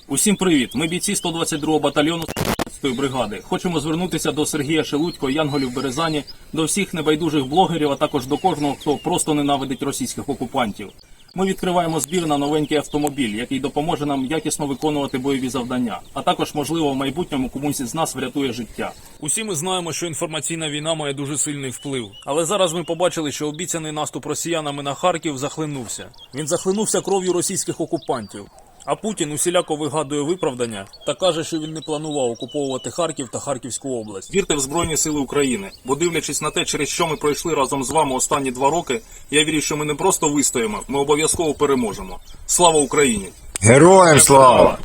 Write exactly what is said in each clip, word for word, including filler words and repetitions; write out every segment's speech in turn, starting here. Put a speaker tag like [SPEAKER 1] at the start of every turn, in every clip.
[SPEAKER 1] Усім привіт! Ми бійці сто двадцять другого батальйону ї бригади. Хочемо звернутися до Сергія Шелудько, Янголів Березані, до всіх небайдужих блогерів, а також до кожного, хто просто ненавидить російських окупантів. Ми відкриваємо збір на новенький автомобіль, який допоможе нам якісно виконувати бойові завдання, а також, можливо, в майбутньому комусь із нас врятує життя. Усі ми знаємо, що інформаційна війна має дуже сильний вплив. Але зараз ми побачили, що обіцяний наступ росіянами на Харків захлинувся. Він захлинувся кров'ю російських окупантів. А Путін усіляко вигадує виправдання та каже, що він не планував окуповувати Харків та Харківську область. Вірте в Збройні Сили України, бо дивлячись на те, через що ми пройшли разом з вами останні два роки, я вірю, що ми не просто вистоїмо, ми обов'язково переможемо. Слава Україні!
[SPEAKER 2] Героям слава!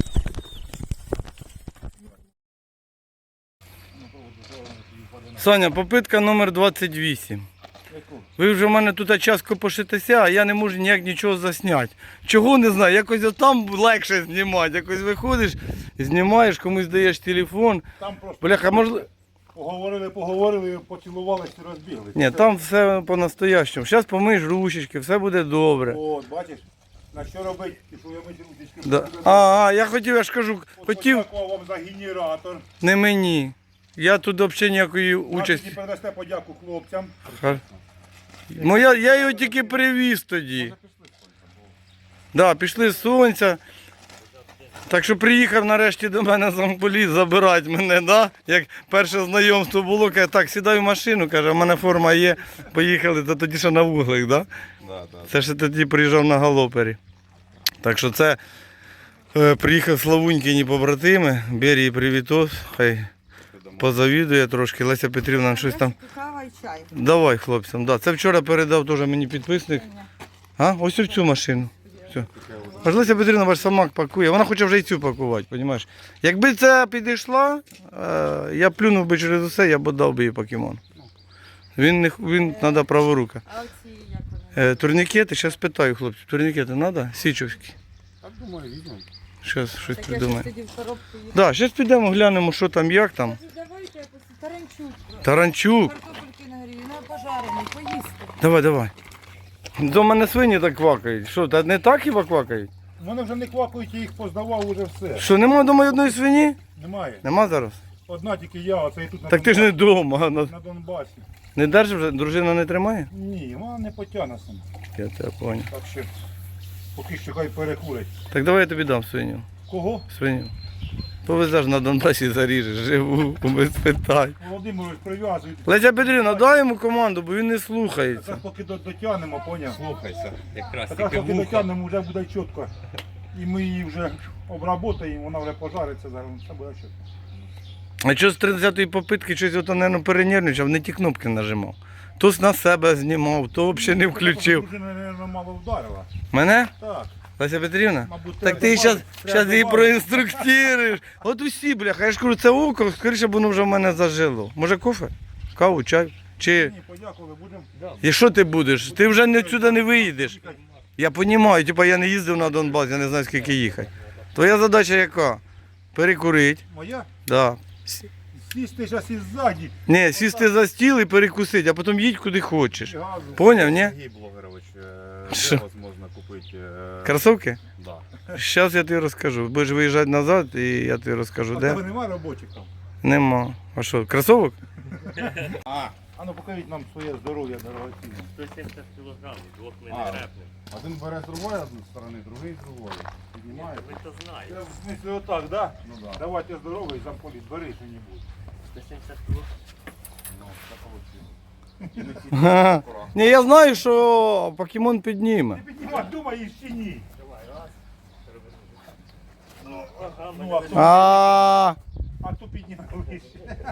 [SPEAKER 3] Саня, попитка номер двадцять вісім. Ви вже в мене тут час копошитеся, а я не можу ніяк нічого засняти. Чого не знаю, якось там легше знімати. Якось виходиш, знімаєш, комусь даєш телефон.
[SPEAKER 4] Там просто
[SPEAKER 3] Бляха, можливо...
[SPEAKER 4] поговорили, поговорили, поцілувалися і розбіглися.
[SPEAKER 3] Ні, там все по-настоящому. Зараз помиєш ручечки, все буде добре.
[SPEAKER 4] От, бачиш, на що робити, що я мить ручечки.
[SPEAKER 3] Да. А, а, я хотів, я ж кажу, хотів,
[SPEAKER 4] Подякував вам за генератор.
[SPEAKER 3] не мені. Я тут взагалі ніякої участі.
[SPEAKER 4] Участі. Передасте подяку хлопцям.
[SPEAKER 3] Хар- Моя, я його тільки привіз тоді. Да, пішли з сонця. Так що приїхав нарешті до мене замполіт забирати мене, да? Як перше знайомство було, каже, так, сідай в машину, каже, в мене форма є, поїхали, то тоді ще на вуглик, да?
[SPEAKER 2] Да, да.
[SPEAKER 3] Це ще тоді приїжджав на галопері. Так що це е, приїхав Славунькині побратими, Берії привітос, хай позавідує трошки, Леся Петрівна щось там.
[SPEAKER 5] Кава і чай.
[SPEAKER 3] Давай хлопцям, да. Це вчора передав теж мені підписник. А? Ось в цю машину. Все. Аж Леся Петрівна ваш самак пакує, вона хоче вже і цю пакувати, розумієш? Якби це підійшла, е, я плюнув би через усе, я б дав би їй покемон. Він, не, він треба праворука.
[SPEAKER 5] А оці як вони?
[SPEAKER 3] Е, турнікети, зараз питаю хлопців, турнікети треба? Січовські.
[SPEAKER 4] Так думаю, візьмемо.
[SPEAKER 3] Зараз щось
[SPEAKER 5] Так я ж
[SPEAKER 3] придумаю.
[SPEAKER 5] тоді в коробку їх.
[SPEAKER 3] Так, зараз підемо, глянемо, що там, як там.
[SPEAKER 5] Давайте якось таранчук.
[SPEAKER 3] Таранчук.
[SPEAKER 5] Картопельки на грілі, ну пожарений, поїсти.
[SPEAKER 3] Давай, давай. До мене свині так квакають. Що, та не так хіба квакають?
[SPEAKER 4] Вони вже не квакають, я їх поздавав, уже все.
[SPEAKER 3] Що, нема вдома одної свині?
[SPEAKER 4] Немає.
[SPEAKER 3] Нема зараз?
[SPEAKER 4] Одна тільки я, оце і тут на,
[SPEAKER 3] Так ти ж не
[SPEAKER 4] Донбасі.
[SPEAKER 3] вдома. На-
[SPEAKER 4] на Донбасі.
[SPEAKER 3] Не держиш вже? Дружина не тримає?
[SPEAKER 4] Ні, вона не потягне сама.
[SPEAKER 3] Я тебе понял.
[SPEAKER 4] Так що, поки що хай перекурить.
[SPEAKER 3] Так давай я тобі дам свиню.
[SPEAKER 4] Кого?
[SPEAKER 3] Свиню. Повезеш на Донбасі, заріжеш, живу, без питань.
[SPEAKER 4] Володимирович, прив'язують.
[SPEAKER 3] Леся Петрівна, дай йому команду, бо він не
[SPEAKER 4] Якраз
[SPEAKER 3] слухається.
[SPEAKER 4] поки до- дотягнемо, поняв?
[SPEAKER 2] Слухайся. Якраз
[SPEAKER 4] Якраз
[SPEAKER 2] тільки
[SPEAKER 4] поки
[SPEAKER 2] вуха.
[SPEAKER 4] дотягнемо, вже буде чітко. І ми її вже обработаємо, вона вже пожариться, зараз все буде чітко.
[SPEAKER 3] А що з тридцятої попитки щось ото, мабуть, перенервничав, не ті кнопки нажимав. То на себе знімав, то взагалі не включив.
[SPEAKER 4] Дружина, мабуть, мало вдарила.
[SPEAKER 3] Мене?
[SPEAKER 4] Так,
[SPEAKER 3] Зараз Петрівна?
[SPEAKER 4] мабуть,
[SPEAKER 3] Так
[SPEAKER 4] треба
[SPEAKER 3] ти зараз
[SPEAKER 4] добавити,
[SPEAKER 3] її
[SPEAKER 4] треба
[SPEAKER 3] проінструктуєш. От усі, бляха, я ж кажу, це око, скоріше б воно вже в мене зажило. Може кофе? Каву, чай? Чи...
[SPEAKER 4] Ні, подякували, будемо.
[SPEAKER 3] І що ти будеш? Ти вже не сюди не виїдеш. Я розумію, типу я не їздив на Донбас, я не знаю скільки їхати. Твоя задача яка? Перекурити.
[SPEAKER 4] Моя?
[SPEAKER 3] Да.
[SPEAKER 4] Сісти зараз із ззаді.
[SPEAKER 3] Ні, сісти за стіл і перекусити, а потім їдь куди хочеш.
[SPEAKER 4] Газу.
[SPEAKER 3] Поняв, ні?
[SPEAKER 2] Сергій Блогерович, е,
[SPEAKER 3] Що?
[SPEAKER 2] де вас можна купити? е,
[SPEAKER 3] Кросовки?
[SPEAKER 2] Да.
[SPEAKER 3] Зараз я тобі розкажу. Будеш виїжджати назад і я тобі розкажу,
[SPEAKER 4] А
[SPEAKER 3] де.
[SPEAKER 4] тебе немає робочих там?
[SPEAKER 3] Нема. А що, кросовок?
[SPEAKER 4] А, а ну покажіть нам своє здоров'я дорогоцінне.
[SPEAKER 6] сто сімдесят кілограмів, двох ми
[SPEAKER 2] А.
[SPEAKER 6] не репнемо.
[SPEAKER 2] Один бере з другої одної сторони, другий з другої. Піднімає.
[SPEAKER 6] Ви то
[SPEAKER 4] Це
[SPEAKER 6] знаєте.
[SPEAKER 4] в смислі отак, да?
[SPEAKER 2] Ну да.
[SPEAKER 4] Давайте здоровий, замполіт, бери що-небудь.
[SPEAKER 6] сто сімдесят кілограмів.
[SPEAKER 2] Ну, так вийшло.
[SPEAKER 3] Ага. Ні, я знаю, що покемон підніме.
[SPEAKER 4] Ти піднімай, думаєш чи ні?
[SPEAKER 6] Давай, раз.
[SPEAKER 4] Ну,
[SPEAKER 6] Ага,
[SPEAKER 4] ну
[SPEAKER 6] мене
[SPEAKER 4] а
[SPEAKER 6] ви-
[SPEAKER 4] то,
[SPEAKER 3] А,
[SPEAKER 4] а то піднімай вище.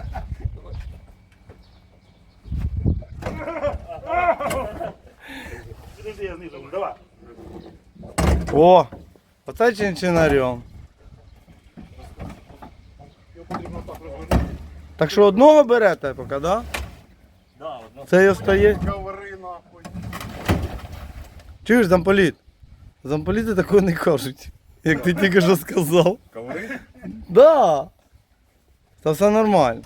[SPEAKER 4] Подожди, я знизу, давай.
[SPEAKER 3] о, оце чинчинарем.
[SPEAKER 4] Його потрібно так розвернути.
[SPEAKER 3] Так що одного берете поки, да?
[SPEAKER 6] Да, одна.
[SPEAKER 3] Це і остає.
[SPEAKER 4] Говори нахуй.
[SPEAKER 3] Чуєш, замполіт? Замполіти такого не кажуть, як ти тільки що сказав.
[SPEAKER 2] Коври?
[SPEAKER 3] Да. Та все нормально.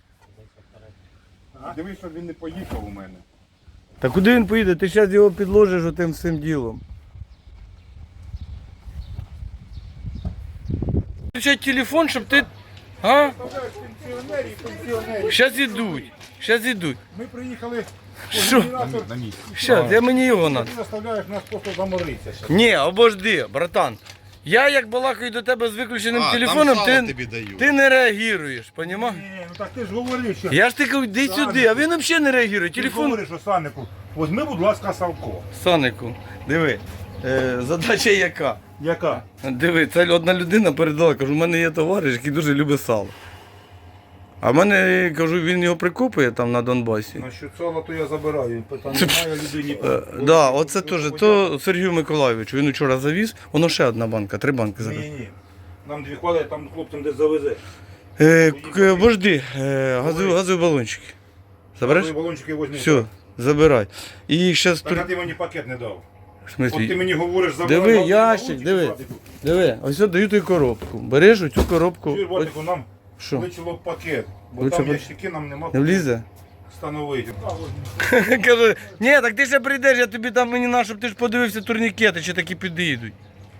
[SPEAKER 2] Дивись, щоб він не поїхав у мене.
[SPEAKER 3] Та куди він поїде? Ти зараз його підложиш отим всім ділом. включати телефон, щоб ти. А?
[SPEAKER 4] Пенсіонерів, пенсіонерів.
[SPEAKER 3] Щас ідуть. Щас ідуть.
[SPEAKER 4] Ми приїхали,
[SPEAKER 3] Що?
[SPEAKER 4] генератор,
[SPEAKER 3] Щас, я мені його надо.
[SPEAKER 4] ти заставляєш нас просто заморитися. ще.
[SPEAKER 3] Ні, обожди, братан. Я як балакаю до тебе з виключеним
[SPEAKER 2] А, там
[SPEAKER 3] телефоном,
[SPEAKER 2] сало
[SPEAKER 3] ти,
[SPEAKER 2] тобі дають.
[SPEAKER 3] ти не реагуєш, понімаєш?
[SPEAKER 4] Ні, ну так ти ж говориш, що...
[SPEAKER 3] Я ж ти кажу, йди сюди, а він взагалі не реагує.
[SPEAKER 4] Ти ж
[SPEAKER 3] Телефон.
[SPEAKER 4] говориш, що Саннику, возьми, будь ласка, Савко.
[SPEAKER 3] Санику, диви, е, задача яка?
[SPEAKER 4] Яка?
[SPEAKER 3] Диви, це одна людина передала, кажу, у мене є товариш, який дуже любить сало. А в мене, кажу, він його прикопує там на Донбасі.
[SPEAKER 4] Насчет сала, то я забираю. Питань немає людині.
[SPEAKER 3] Е, да, оце теж, то Сергію Миколайовичу, він вчора завіз, воно ще одна банка, три банки зараз.
[SPEAKER 4] Ні, ні. Нам дві хвали, там хлопцям десь завезе.
[SPEAKER 3] Е, к- Вожди, е, газові, газові балончики. Забереш?
[SPEAKER 4] Газові балончики возьми.
[SPEAKER 3] Все, забирай. І зараз
[SPEAKER 4] Так, а
[SPEAKER 3] тур...
[SPEAKER 4] ти мені пакет не дав.
[SPEAKER 3] В
[SPEAKER 4] От ти
[SPEAKER 3] смислі?
[SPEAKER 4] мені говориш, забирай.
[SPEAKER 3] Диви,
[SPEAKER 4] газові
[SPEAKER 3] ящик,
[SPEAKER 4] балончики,
[SPEAKER 3] диви.
[SPEAKER 4] Владику.
[SPEAKER 3] Диви, ось я даю тобі коробку. Береш оцю коробку.
[SPEAKER 4] Чуєш,
[SPEAKER 3] Ось-
[SPEAKER 4] Владику, нам
[SPEAKER 3] Що?
[SPEAKER 4] вичило пакет, бо
[SPEAKER 3] Вичило
[SPEAKER 4] там
[SPEAKER 3] пакет?
[SPEAKER 4] ящики нам нема
[SPEAKER 3] Не влізе?
[SPEAKER 4] встановити.
[SPEAKER 3] Каже, ні, так ти ще прийдеш, я тобі там мені на, щоб ти ж подивився турнікети, чи такі підійдуть.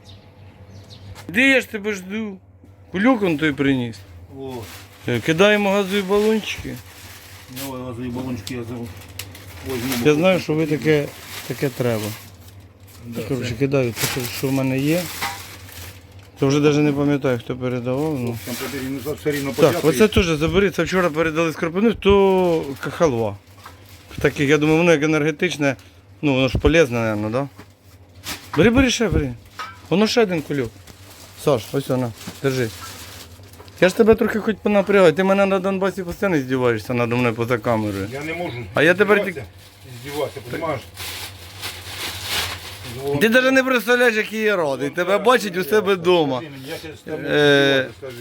[SPEAKER 3] Де я ж тебе жду? Кулюк он той приніс.
[SPEAKER 4] О,
[SPEAKER 3] Е, Кидаємо газові балончики.
[SPEAKER 4] давай газові балончики я зову.
[SPEAKER 3] Я знаю, що ви таке, таке треба. Коротше, кидаю те, що- що в мене є. То вже навіть не пам'ятаю, хто передавав. Ну.
[SPEAKER 4] Там потрібно за все рівно
[SPEAKER 3] Так,
[SPEAKER 4] почати.
[SPEAKER 3] оце теж забери, це вчора передали з Кропивни, то халва. Таких, я думаю, воно як енергетичне, ну воно ж полезне, мабуть, да? Бери, бери ще, бери. Воно ще один кульок. Саш, ось вона, держи. Я ж тебе трохи хоч понапрягаю, ти мене на Донбасі постійно здіваєшся надо мною поза камерою.
[SPEAKER 4] Я не можу.
[SPEAKER 3] А я тепер
[SPEAKER 4] здіватися, здіватися, розумієш?
[SPEAKER 3] Ти навіть не представляєш, який я радий. Тебе бачить у себе вдома.
[SPEAKER 4] Я ще з тобою
[SPEAKER 3] Е,
[SPEAKER 4] скажи.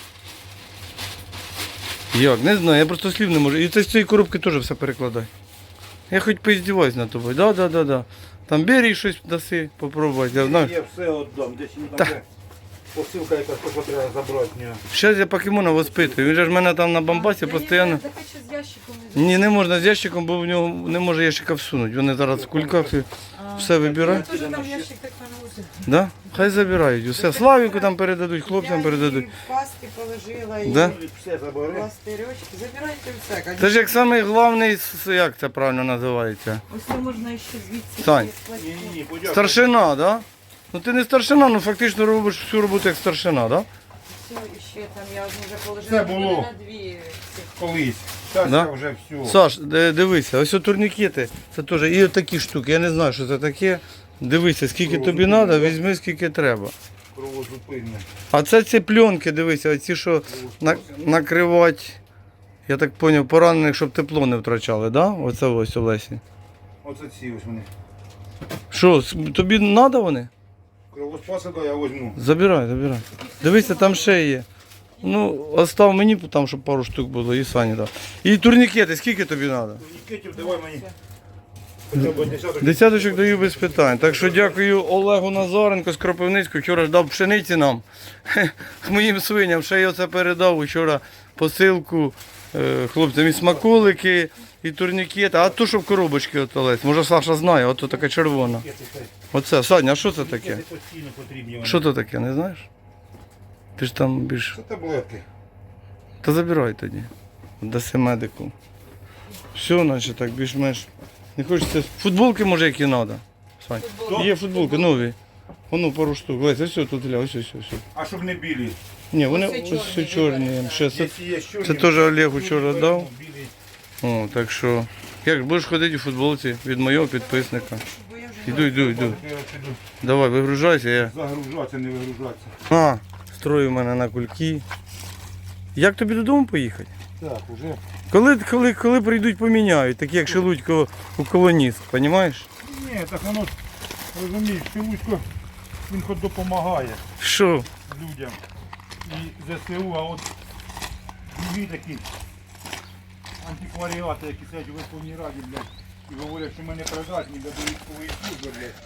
[SPEAKER 3] Як? Не знаю, я просто слів не можу. І це з цієї коробки теж все перекладай. Я хоч поіздіваюсь над тобою. Да, да, да, да. Там бери щось даси, попробувати. Я знаю.
[SPEAKER 4] Я все віддам, десь він там де посилка якась, то, що треба забрати в нього.
[SPEAKER 3] Зараз я покемона воспитую. Він же ж в мене там на бамбасі постійно.
[SPEAKER 5] Так ще з ящиком не
[SPEAKER 3] Ні, не можна з ящиком, бо в нього не може ящика всунути. Вони зараз в кульках і все вибирають.
[SPEAKER 5] Теж там ящик так наносить.
[SPEAKER 3] Да? Хай забирають. Усе. Славіку там передадуть, хлопцям передадуть.
[SPEAKER 5] Паски положила і
[SPEAKER 3] Да?
[SPEAKER 4] Все забери.
[SPEAKER 5] пластирьочки. Забирайте все.
[SPEAKER 3] Це ж як самий головний, с- як це правильно називається?
[SPEAKER 5] Ось це можна ще звідси.
[SPEAKER 3] Сань.
[SPEAKER 5] скласти.
[SPEAKER 4] Ні, ні, ні, подякуй.
[SPEAKER 3] Старшина, да? Ну ти не старшина, ну фактично робиш всю роботу як старшина, да?
[SPEAKER 5] Все, і ще там я одну вже положила.
[SPEAKER 4] Це
[SPEAKER 5] буде
[SPEAKER 4] було.
[SPEAKER 5] на дві цих.
[SPEAKER 4] Колись. Зараз
[SPEAKER 3] Да?
[SPEAKER 4] я вже все.
[SPEAKER 3] Саш, ди- дивися, ось о турнікети, це теж і такі штуки, я не знаю, що це таке. Дивися, скільки тобі треба, візьми скільки треба.
[SPEAKER 4] Кровозупинне.
[SPEAKER 3] А це ці пленки, дивися, оці, що на, накривати, я так зрозумів, поранених, щоб тепло не втрачали, да? Оце ось Олесі.
[SPEAKER 4] Оце ці ось вони.
[SPEAKER 3] Що, с- тобі треба вони?
[SPEAKER 4] Кровоспаси, да, я візьму.
[SPEAKER 3] Забирай, забирай. Дивися, там ще є. Ну, остав мені, там, щоб пару штук було, і Сані дав. І турнікети, скільки тобі треба?
[SPEAKER 4] Нікетів, давай мені. Хоча б десяток.
[SPEAKER 3] Десяточок даю без питань. Так що дякую Олегу Назаренко з Кропивницького. Вчора ж дав пшениці нам, моїм свиням. Ще й оце передав вчора посилку е, хлопцям і смаколики, і турнікети. А то, що в коробочці от Олесь. Може Саша знає, ото така червона. Оце, Саня, а що це таке?
[SPEAKER 4] Нікети постійно потрібні вони.
[SPEAKER 3] Що це таке, не знаєш? Ти ж там більш.
[SPEAKER 4] Це таблетки.
[SPEAKER 3] Та забирай тоді. Даси медику. Все, значить так, більш-менш. Не хочеться. Футболки може які треба. Сань. Є футболки нові. Воно пару штук. Ось ось тут гля, ось ось ось.
[SPEAKER 4] А щоб не білі.
[SPEAKER 3] Ні, вони
[SPEAKER 5] Ось
[SPEAKER 3] ось
[SPEAKER 5] чорні,
[SPEAKER 3] ось чорні. Ще це,
[SPEAKER 4] Якщо є чорні,
[SPEAKER 3] це теж Олег
[SPEAKER 4] білі
[SPEAKER 3] вчора
[SPEAKER 4] беремо,
[SPEAKER 3] дав.
[SPEAKER 4] білі.
[SPEAKER 3] О, так що. Як будеш ходити у футболці від моєго підписника.
[SPEAKER 5] Бо я вже
[SPEAKER 3] Іду, іду, йду.
[SPEAKER 4] Я піду
[SPEAKER 3] Давай, вигружайся, я.
[SPEAKER 4] загружатися, не вигружатися.
[SPEAKER 3] А, строю мене на кульки. Як тобі додому поїхати?
[SPEAKER 4] Так, уже.
[SPEAKER 3] Коли, коли, коли прийдуть, поміняють, такі як Шелудько у колоніст, розумієш?
[SPEAKER 4] Ні, так воно, розумієш, Шелудько, він хоч допомагає
[SPEAKER 3] Що?
[SPEAKER 4] людям. І ЗСУ, а от другі такі антикваріати, які сидять у Верховній Раді, блядь, і говорять, що ми не придатні до військової служби, блядь.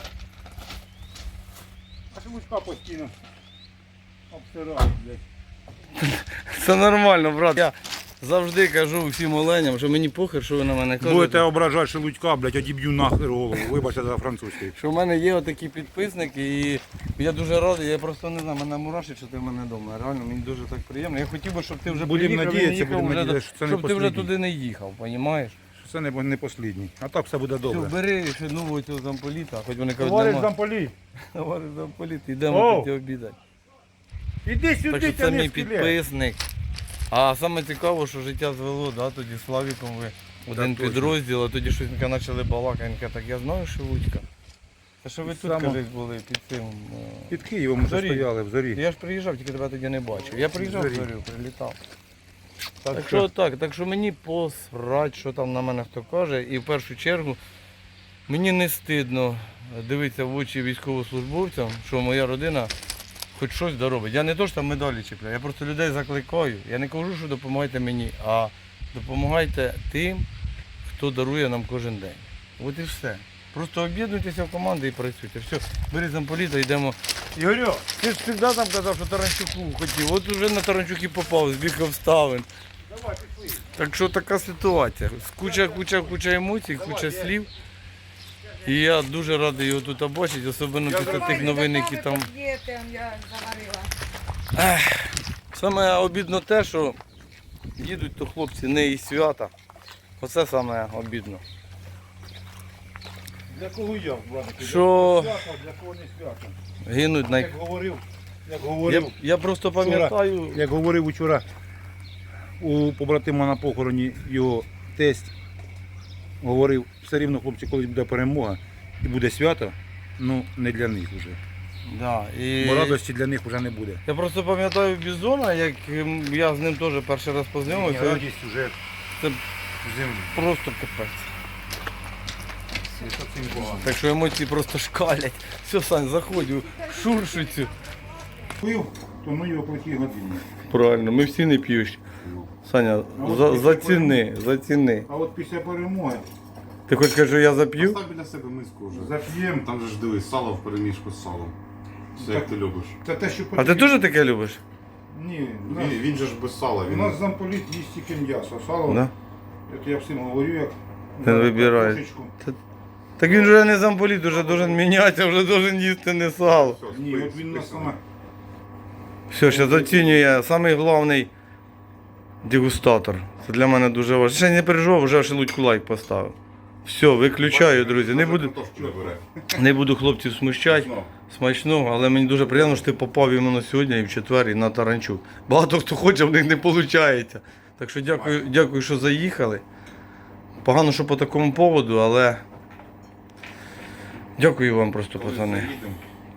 [SPEAKER 4] А Шелудька постійно обсирають, блядь.
[SPEAKER 3] Це нормально, брат. Я завжди кажу всім оленям, що мені похер, що ви на мене кажете.
[SPEAKER 4] Будете ображати Шелудька, блядь, одіб'ю нахер голову. Вибачте за французький.
[SPEAKER 3] Що в мене є отакі підписники, і я дуже радий, я просто не знаю, мене мурашить, що ти в мене вдома. Реально, мені дуже так приємно. Я хотів би, щоб ти вже
[SPEAKER 4] Будемо
[SPEAKER 3] приїхав, і не
[SPEAKER 4] надіятися,
[SPEAKER 3] їхав
[SPEAKER 4] будемо
[SPEAKER 3] вже до-
[SPEAKER 4] надіятися, що це не
[SPEAKER 3] щоб ти вже
[SPEAKER 4] послідній.
[SPEAKER 3] туди не їхав, розумієш?
[SPEAKER 4] Це не, не послідній. А так все буде
[SPEAKER 3] Все,
[SPEAKER 4] добре.
[SPEAKER 3] бери ще нового цього замполіта, хоч вони кажуть,
[SPEAKER 4] Товариш
[SPEAKER 3] нема.
[SPEAKER 4] замполіт,
[SPEAKER 3] Товариш замполіт, йдемо
[SPEAKER 4] Оу.
[SPEAKER 3] тоді обідати.
[SPEAKER 4] іди
[SPEAKER 3] Так
[SPEAKER 4] сюди,
[SPEAKER 3] що це
[SPEAKER 4] тяни
[SPEAKER 3] мій
[SPEAKER 4] скелет.
[SPEAKER 3] підписник. А саме цікаво, що життя звело, да, тоді з Славіком ви один
[SPEAKER 4] точно.
[SPEAKER 3] підрозділ, а тоді щось ми почали балакати, він каже, так я знаю Шелудька. Та що ви тут,
[SPEAKER 4] Само-
[SPEAKER 3] кажуть, були під цим? е,
[SPEAKER 4] Під Києвом вже
[SPEAKER 3] Зорі.
[SPEAKER 4] стояли, в зорі.
[SPEAKER 3] Я ж приїжджав, тільки тебе тоді не бачив. Я приїжджав в
[SPEAKER 4] Зорі.
[SPEAKER 3] зорю, прилітав.
[SPEAKER 4] Так,
[SPEAKER 3] Так
[SPEAKER 4] що
[SPEAKER 3] що так, так що мені посрать, що там на мене хто каже. І в першу чергу мені не стидно дивитися в очі військовослужбовцям, що моя родина хоч щось доробить. Я не то, що там медалі чіпляю, я просто людей закликаю. Я не кажу, що допомагайте мені, а допомагайте тим, хто дарує нам кожен день. От і все. Просто об'єднуйтеся в команди і працюйте. Все, бери замполіта, йдемо. Ігорю, ти ж завжди там казав, що Таранчуку хотів. От уже на Таранчуки попав, збіг обставин.
[SPEAKER 4] Давай, пішли.
[SPEAKER 3] Так що така ситуація. Куча, куча, куча емоцій, куча слів. І я дуже радий його тут бачити, особливо після тих новин, які там.
[SPEAKER 5] Є, там я заварила.
[SPEAKER 3] Саме обідно те, що їдуть то хлопці не із свята. Оце саме обідно.
[SPEAKER 4] Для кого я, братики?
[SPEAKER 3] Що
[SPEAKER 4] Для свято, для кого не свято.
[SPEAKER 3] гинуть най...
[SPEAKER 4] Як говорив, як
[SPEAKER 3] Я,
[SPEAKER 4] говорив,
[SPEAKER 3] я просто пам'ятаю,
[SPEAKER 4] як говорив учора у побратима на похороні його тесть, говорив, все рівно, хлопці, коли буде перемога і буде свято, ну не для них вже.
[SPEAKER 3] да, і...
[SPEAKER 4] Бо радості для них вже не буде.
[SPEAKER 3] я просто пам'ятаю Бізона, як ем, я з ним теж перший раз познайомився.
[SPEAKER 4] Радість вже
[SPEAKER 3] Це
[SPEAKER 4] в землі.
[SPEAKER 3] просто капець.
[SPEAKER 4] І це цим погано.
[SPEAKER 3] Так що емоції просто шкалять. Все, Сань, заходь, шуршу цю.
[SPEAKER 4] Пив, то ну його плохі години.
[SPEAKER 3] Правильно, ми всі не п'ють. Саня, за, заціни, заціни.
[SPEAKER 4] А от після перемоги
[SPEAKER 3] Ти хочеш сказати, що я зап'ю?
[SPEAKER 7] Постав біля себе миску вже.
[SPEAKER 4] зап'ємо.
[SPEAKER 7] Там же ж дивись, сало в переміжку з салом. Все як ти любиш.
[SPEAKER 4] Це те, що
[SPEAKER 3] А ти теж таке любиш?
[SPEAKER 4] Ні, у нас,
[SPEAKER 7] Він, він же ж без сала.
[SPEAKER 4] у
[SPEAKER 7] Він...
[SPEAKER 4] нас замполіт їсть тільки м'ясо. Сало,
[SPEAKER 3] Да?
[SPEAKER 4] от я всім говорю, як
[SPEAKER 3] Він вибирає.
[SPEAKER 4] картошечку.
[SPEAKER 3] Так він вже не замполіт, вже должен мінятися, вже должен їсти не сало.
[SPEAKER 7] Все,
[SPEAKER 4] Ні,
[SPEAKER 7] спи-
[SPEAKER 4] от він нас
[SPEAKER 7] списано.
[SPEAKER 4] саме.
[SPEAKER 3] Все, зараз оцінює самий головний дегустатор. Це для мене дуже важливо. Ще не переживав, вже Шелудьку лайк поставив. Все, виключаю, друзі. Не буду,
[SPEAKER 7] Картошку не бере.
[SPEAKER 3] не буду хлопців смущати.
[SPEAKER 7] Ну,
[SPEAKER 3] Смачного, але мені дуже приємно, що ти попав іменно сьогодні і в четвер, і на Таранчук. Багато хто хоче, в них не виходить. Так що дякую, дякую, що заїхали. Погано, що по такому поводу, але дякую вам просто,
[SPEAKER 7] коли
[SPEAKER 3] пацани.
[SPEAKER 7] заїдемо,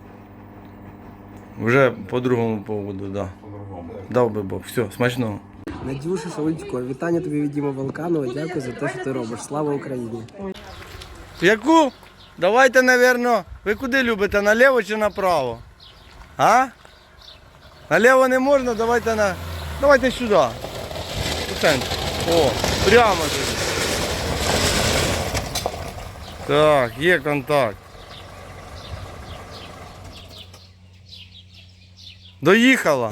[SPEAKER 3] Вже по другому поводу, так. Да.
[SPEAKER 7] по-другому.
[SPEAKER 3] Дав би Бог. Все, смачного.
[SPEAKER 8] Надюша Шелудько, вітання тобі від Діма Волканова. Дякую за те, що ти робиш. Слава Україні!
[SPEAKER 3] Яку? Давайте, напевно, ви куди любите, наліво чи направо? А? Наліво не можна, давайте на. Давайте сюди. У центр. О, прямо туди. Так, є контакт. Доїхала.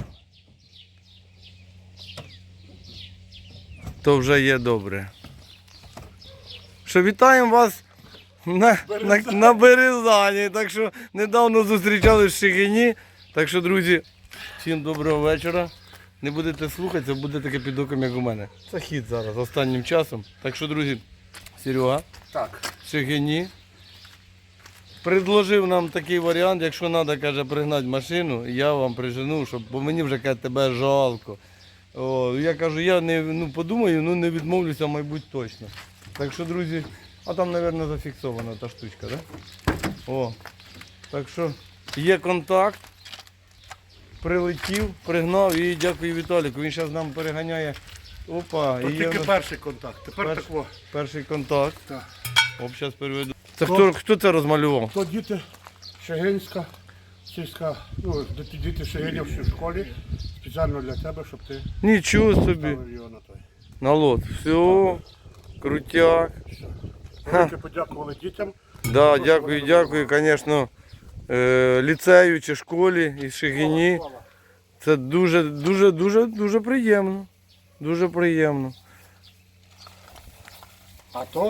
[SPEAKER 3] То вже є добре. Що вітаємо вас на, на, на Березані. Так що недавно зустрічались в Шигині. Так що, друзі, всім доброго вечора. Не будете слухатися, буде таке під оком, як у мене. Це хід зараз, останнім часом. Так що, друзі, Серега,
[SPEAKER 4] Так.
[SPEAKER 3] в Шигині предложив нам такий варіант, якщо треба, каже, пригнати машину, я вам прижену, щоб, бо мені вже каже, тебе жалко. О, я кажу, я не ну, подумаю, ну не відмовлюся, мабуть, точно. Так що, друзі, а там, мабуть, зафіксована та штучка, так? Да? О, так що є контакт, прилетів, пригнав і дякую Віталіку. Він зараз нам переганяє. Опа,
[SPEAKER 4] То
[SPEAKER 3] і є
[SPEAKER 4] тільки
[SPEAKER 3] в нас
[SPEAKER 4] перший контакт. Тепер
[SPEAKER 3] Перш-
[SPEAKER 4] такого.
[SPEAKER 3] перший контакт.
[SPEAKER 4] Так.
[SPEAKER 3] Оп, зараз переведу. Це хто, хто це розмалював?
[SPEAKER 9] То діти Шегинська, сільська, ну, діти, діти Шегинівські в школі, спеціально для тебе, щоб ти
[SPEAKER 3] Нічого собі.
[SPEAKER 9] ставив його на той.
[SPEAKER 3] На лот. Все, крутяк.
[SPEAKER 9] Велике подякували дітям.
[SPEAKER 3] Да, дякую, дякую, звісно, е, ліцею чи школі із Шигині. Це дуже, дуже, дуже, дуже приємно. Дуже приємно.
[SPEAKER 9] А то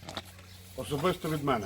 [SPEAKER 9] особисто від мене.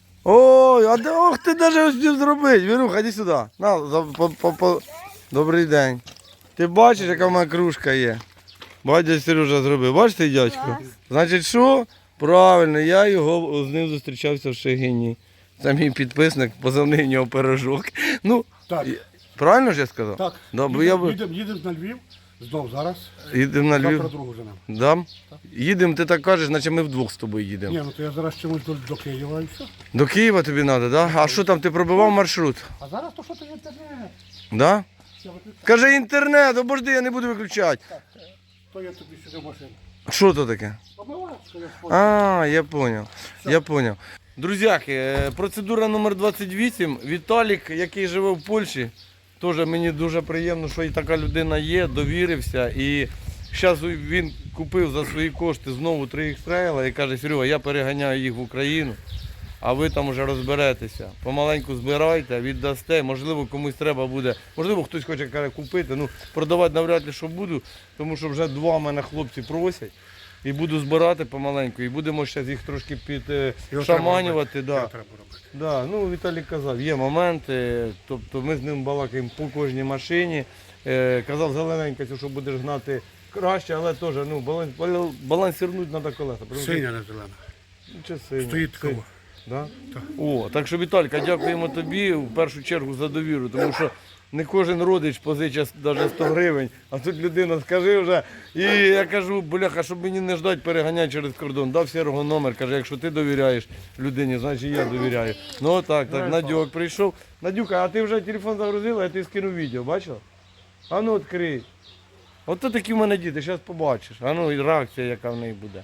[SPEAKER 3] Ой, а де, ох, ти навіть хотів зробити. Віруха, іди сюди. На, за, по, по, по. Добрий день. Ти бачиш, яка в мене кружка є? Батя Сережа зробив. Бачиш цей дядько? Значить, що? Правильно, я його з ним зустрічався в Шегині. Це мій підписник, позивний в нього пирожок. Ну,
[SPEAKER 9] Так,
[SPEAKER 3] правильно ж я сказав?
[SPEAKER 9] так.
[SPEAKER 3] Да, бо я
[SPEAKER 9] Їдемо
[SPEAKER 3] би-
[SPEAKER 9] їдем, їдем на Львів, знов зараз.
[SPEAKER 3] Їдемо на
[SPEAKER 9] Завтра
[SPEAKER 3] Львів.
[SPEAKER 9] другу женемо.
[SPEAKER 3] Да? Їдемо, ти так кажеш, наче ми вдвох з тобою їдемо.
[SPEAKER 9] Ні, ну то я зараз чомусь до, до Києва і все.
[SPEAKER 3] До Києва тобі треба, да? А що там, ти пробивав маршрут?
[SPEAKER 9] А зараз то що ти інтернет?
[SPEAKER 3] Да?
[SPEAKER 9] Все, виключай.
[SPEAKER 3] Кажи інтернет, обожди, я не буду виключати.
[SPEAKER 9] То я тобі сюди в машину.
[SPEAKER 3] Що то таке?
[SPEAKER 9] Помиваєш, що я спорю.
[SPEAKER 3] А, я поняв. Я поняв. Друзяки, е, процедура номер двадцять вісім. Віталік, який живе в Польщі, теж мені дуже приємно, що і така людина є, довірився. І зараз він купив за свої кошти знову три ікс-трейла і каже, Серега, я переганяю їх в Україну, а ви там вже розберетеся. Помаленьку збирайте, віддасте, можливо, комусь треба буде, можливо, хтось хоче каже, купити, ну продавати навряд ли, що буду, тому що вже два мене хлопці просять. І буду збирати помаленьку, і будемо ще їх трошки підшаманювати. Да.
[SPEAKER 9] Його треба робити.
[SPEAKER 3] Да. Ну, Віталій казав, є моменти, тобто ми з ним балакаємо по кожній машині. Е, казав, зелененька, що будеш гнати краще, але теж ну, баланс, балансірнути треба колеса.
[SPEAKER 9] Синя не зелена.
[SPEAKER 3] Чи синя?
[SPEAKER 9] Стоїть
[SPEAKER 3] Синя.
[SPEAKER 9] такого.
[SPEAKER 3] Да? О, так що, Віталька, дякуємо тобі в першу чергу за довіру, тому що не кожен родич позичає навіть сто гривень, а тут людина скажи вже. І я кажу, бляха, щоб мені не ждать переганяти через кордон. Дав Сергу номер, каже, якщо ти довіряєш людині, значить я довіряю. Ну так, так, Надюк прийшов. Надюка, а ти вже телефон загрузила, я тобі скинув відео, бачила? А ну відкрий. Ото такі в мене діти, зараз побачиш. А ну і реакція, яка в неї буде.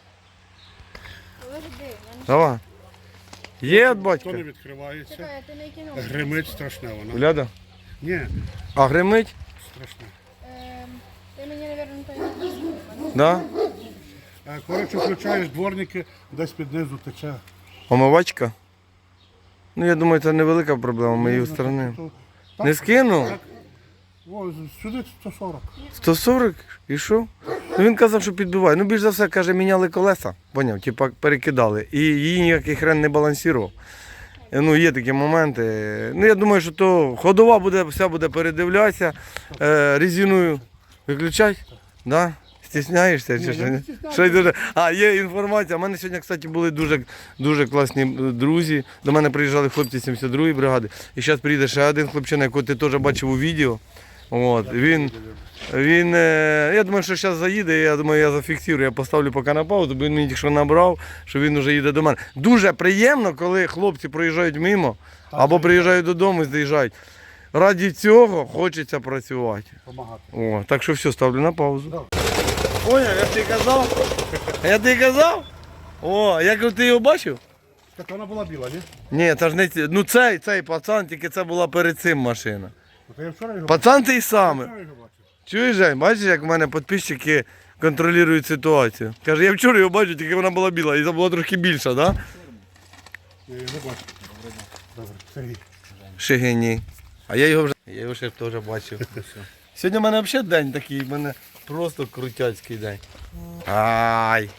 [SPEAKER 3] Давай. Є від
[SPEAKER 9] То
[SPEAKER 3] батька?
[SPEAKER 9] не відкривається.
[SPEAKER 5] Чекай, ти не кинув.
[SPEAKER 9] Гримить страшне воно.
[SPEAKER 3] Гляда.
[SPEAKER 9] Ні,
[SPEAKER 3] А гримить?
[SPEAKER 9] страшне.
[SPEAKER 5] Ем, Ти мені, мабуть, той не писав.
[SPEAKER 3] Да?
[SPEAKER 9] Е, Коротше, включаєш дворники, десь під низу тече.
[SPEAKER 3] Омивачка? Ну, я думаю, це невелика проблема, ми її устранимо.
[SPEAKER 9] То-
[SPEAKER 3] Не скинув?
[SPEAKER 9] Так. О, сюди сто сорок.
[SPEAKER 3] сто сорок? І що? Ну, він казав, що підбиває. Ну, більш за все, каже, міняли колеса. Поняв, типа перекидали. І її ніякий хрен не балансував. Ну, є такі моменти. Ну, я думаю, що то ходова буде, вся буде передивлятися. Е, резиною виключать? Да? Стісняєшся? Чи
[SPEAKER 9] Ні,
[SPEAKER 3] що?
[SPEAKER 9] я не
[SPEAKER 3] Ні?
[SPEAKER 9] стісняюся.
[SPEAKER 3] Що й дуже... А, є інформація. У мене сьогодні, кстати, були дуже, дуже класні друзі. До мене приїжджали хлопці сімдесят другої бригади. І зараз приїде ще один хлопчина, якого ти теж бачив у відео. От, він, він, е, я думаю, що зараз заїде, я думаю, я зафіксую, я поставлю поки на паузу, бо він мені тільки що набрав, що він вже їде до мене. Дуже приємно, коли хлопці проїжджають мимо, або приїжджають додому і заїжджають. Раді цього хочеться працювати.
[SPEAKER 9] Помагати.
[SPEAKER 3] О, так що все, ставлю на паузу. Поняв, я тобі казав? Я тобі казав? О, як ти його бачив?
[SPEAKER 9] Так вона була біла, ні?
[SPEAKER 3] Ні, це ж не ці- ну цей, цей пацан, тільки це була перед цим машина.
[SPEAKER 9] От я вчора його
[SPEAKER 3] Пацан той самий.
[SPEAKER 9] вчора його бачив.
[SPEAKER 3] Чуєш, Жень, бачиш, як в мене підписчики контролюють ситуацію. Каже, я вчора його бачу, тільки вона була біла, і це була трохи більша, так? Да?
[SPEAKER 9] Я його бачив. Добре, Сергій.
[SPEAKER 3] Шигині. А я його вже. Я його ще теж бачив. Сьогодні в мене взагалі день такий, в мене просто крутяцький день. Ай.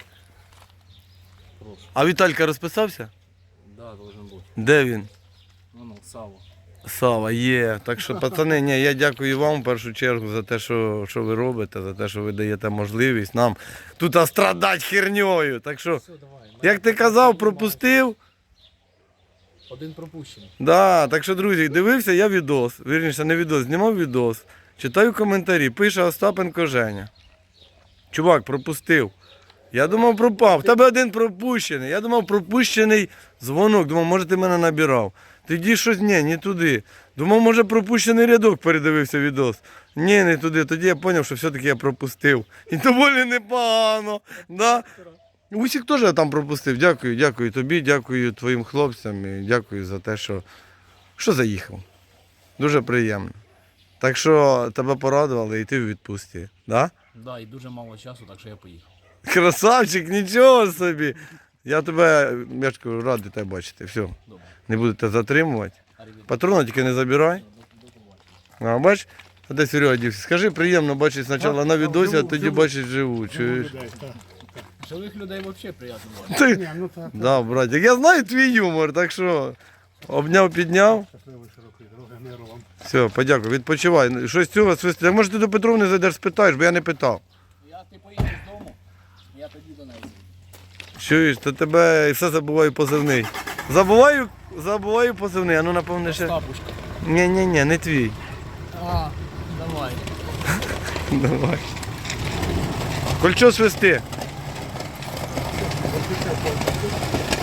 [SPEAKER 3] А Віталька розписався?
[SPEAKER 1] Да, должен бути.
[SPEAKER 3] Де він?
[SPEAKER 1] Ну, ну, Сава.
[SPEAKER 3] Сава, є. Так що, пацани, ні, я дякую вам в першу чергу за те, що, що ви робите, за те, що ви даєте можливість нам тут страдати херньою. Так що, як ти казав, пропустив.
[SPEAKER 8] Один пропущений.
[SPEAKER 3] Да, так що, друзі, дивився я відос, вірніше, не відос, знімав відос, читаю коментарі, пише Остапенко Женя. Чувак, пропустив. Я думав, пропав. В тебе один пропущений. Я думав, пропущений дзвонок. Думав, може ти мене набирав. Тоді щось, ні, не туди. Думав, може пропущений рядок, передивився відос. Ні, не туди. Тоді я зрозумів, що все-таки я пропустив. І доволі непогано. Да? Усіх теж там пропустив. Дякую, дякую тобі, дякую твоїм хлопцям і дякую за те, що, що заїхав. Дуже приємно. Так що тебе порадували і ти в відпустці. Да?
[SPEAKER 1] Да, і дуже мало часу, так що я поїхав.
[SPEAKER 3] Красавчик, нічого собі. Я тебе, я ж кажу, радий тебе бачити. Все. Не буду тебе затримувати. Патрона тільки не забирай. А, бач, А де Серега дівся? Скажи, приємно бачити спочатку на відосі, а тоді бачить живу. Чуєш?
[SPEAKER 9] Людей, так.
[SPEAKER 8] Живих людей взагалі приємно.
[SPEAKER 3] Ти...
[SPEAKER 9] Ні, ну так.
[SPEAKER 3] Да, братик, я знаю твій юмор, так що обняв, підняв.
[SPEAKER 9] Щасливої широкої дороги, миру вам.
[SPEAKER 3] Все, подякую, відпочивай. Щось цього свисти. Так може ти до Петровни зайдеш, спитаєш, бо я не питав.
[SPEAKER 8] Я ти поїдеш додому, я тоді до неї.
[SPEAKER 3] Чуєш, то тебе і все забуваю позивний. Забуваю, забуваю позивний, а ну напевне ще.
[SPEAKER 8] Бабушка.
[SPEAKER 3] Ні, ні, ні, не твій.
[SPEAKER 8] А, давай.
[SPEAKER 3] Давай. Кольчо свисти.